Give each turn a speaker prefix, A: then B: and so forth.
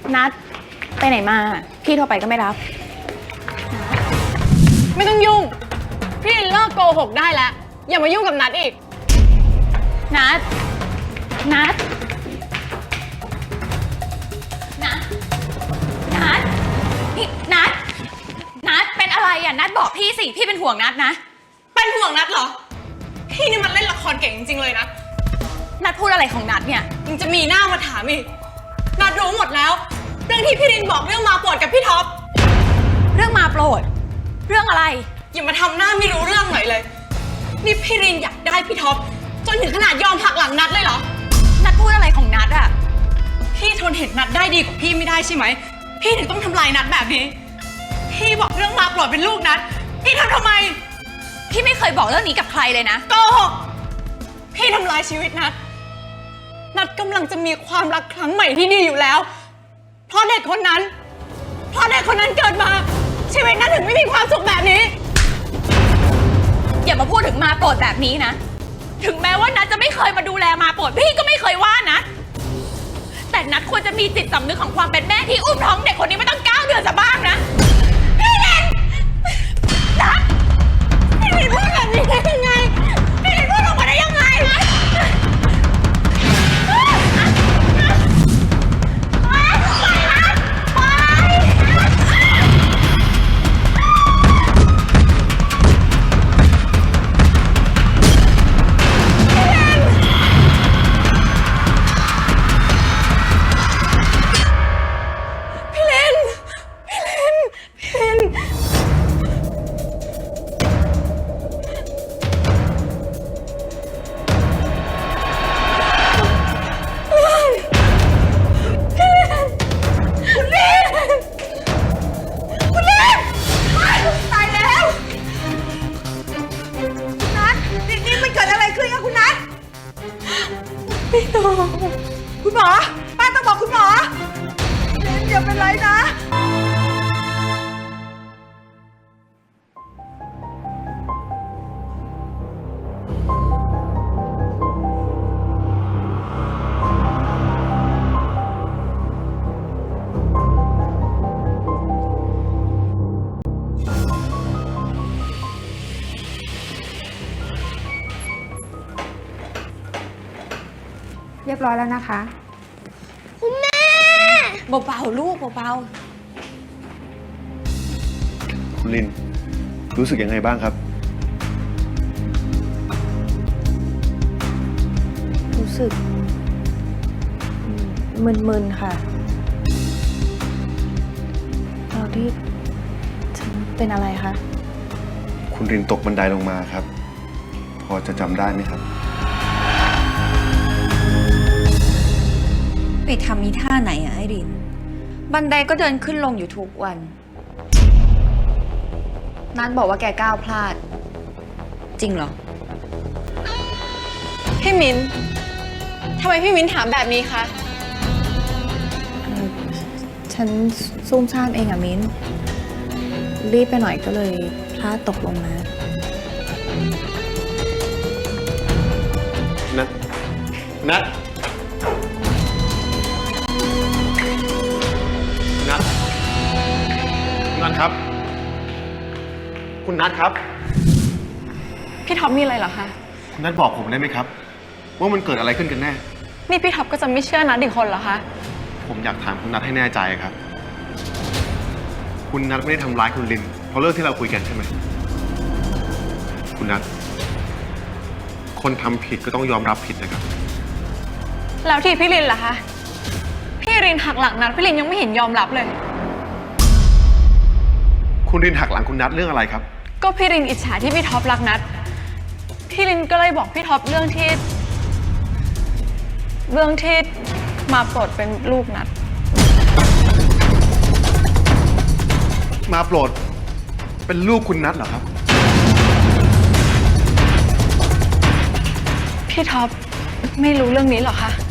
A: นัดไปไหนมาพี่โทรไปก็ไม่รับ
B: ไม่ต้องยุ่งพี่เลิกโกหกได้แล้วอย่ามายุ่งกับนัดอีก
A: นัดนัดนัดนัดนี่นัดเป็นอะไรอ่ะนัดบอกพี่สิพี่เป็นห่วงนัดนะ
B: เป็นห่วงนัดเหรอพี่นี่มันเล่นละครเก่งจริงๆเลยนะ
A: นัดพูดอะไรของนัดเนี่ย
B: ยังจะมีหน้ามาถามอีกนัดรู้หมดแล้วเรื่องที่พี่รินบอกเรื่องมาโปรดกับพี่ท็อป
A: เรื่องมาโปรดเรื่องอะไร
B: อย่ามาทำหน้าไม่รู้เรื่องหน่อยเลยนี่พี่รินอยากได้พี่ท็อปจนถึงขนาดยอมหักหลังนัดเลยเหรอ
A: นัดพูดอะไรของนัดอะ
B: พี่ทนเห็นนัดได้ดีกว่าพี่ไม่ได้ใช่ไหมพี่ถึงต้องทำลายนัดแบบนี้พี่บอกเรื่องมาโปรดเป็นลูกนัดพี่ทำไม
A: พี่ไม่เคยบอกเรื่องนี้กับใครเลยนะ
B: โกหกพี่ทำลายชีวิตนัดกำลังจะมีความรักครั้งใหม่ที่ดีอยู่แล้วเพราะเด็กคนนั้นเกิดมาชีวิตนัดถึงไม่มีความสุขแบบนี้
A: อย่ามาพูดถึงมาโปรดแบบนี้นะถึงแม้ว่านัดจะไม่เคยมาดูแลมาโปรดพี่ก็ไม่เคยว่านะแต่นัดควรจะมีจิตสำนึกของความเป็นแม่ที่อุ้มท้องเด็กคนนี้มาตั้ง9 เดือนซะบ้างนะพี่เรนนัดพี่เรนพูดแบบนี้ได้ยังไงพี่เรนพูดออกมาได้ยังไง
C: คุณหมอป้าต้องบอกคุณหมอเรนอย่าเป็นไรนะเรียบร้อยแล้วนะคะ
A: คุณแม่เบาๆลูกเบา
D: ๆคุณลินรู้สึกยังไงบ้างครับ
E: รู้สึกมึนๆค่ะตอนที่ฉันเป็นอะไรคะ
D: คุณลินตกบันไดลงมาครับพอจะจำได้ไหมครับ
E: ไปทำมีท่าไหนอะไอรินบันไดก็เดินขึ้นลงอยู่ทุกวันนัทบอกว่าแกก้าวพลาดจริงเหรอ
B: พี่มิ้นทำไมพี่มิ้นถามแบบนี้คะ
E: ฉันซุ่มซ่ามเองอะมิ้นรีบไปหน่อยก็เลยพลาดตกลงมา
D: นัทนัทครับคุณนัทครับ
B: พี่ท็อปมีอะไรเหรอคะ
D: คุณนัทบอกผมได้ไหมครับว่ามันเกิดอะไรขึ้นกันแน่
B: นี่พี่ท็อปก็จะไม่เชื่อนัทอีกคนเหรอคะ
D: ผมอยากถามคุณนัทให้แน่ใจครับคุณนัทไม่ได้ทำร้ายคุณลินเพราะเรื่องที่เราคุยกันใช่ไหมคุณนัทคนทำผิดก็ต้องยอมรับผิดนะครับ
B: แล้วที่พี่ลินล่ะคะพี่ลินหักหลังนัทพี่ลินยังไม่เห็นยอมรับเลย
D: คุณลินหักหลังคุณนัทเรื่องอะไรครับ
B: ก็พี่ลินอิจฉาที่พี่ท็อปรักนัทพี่ลินก็เลยบอกพี่ท็อปเรื่องที่มาโปรดเป็นลูกนัท
D: มาโปรดเป็นลูกคุณนัทเหรอครับ
B: พี่ท็อปไม่รู้เรื่องนี้เหรอคะ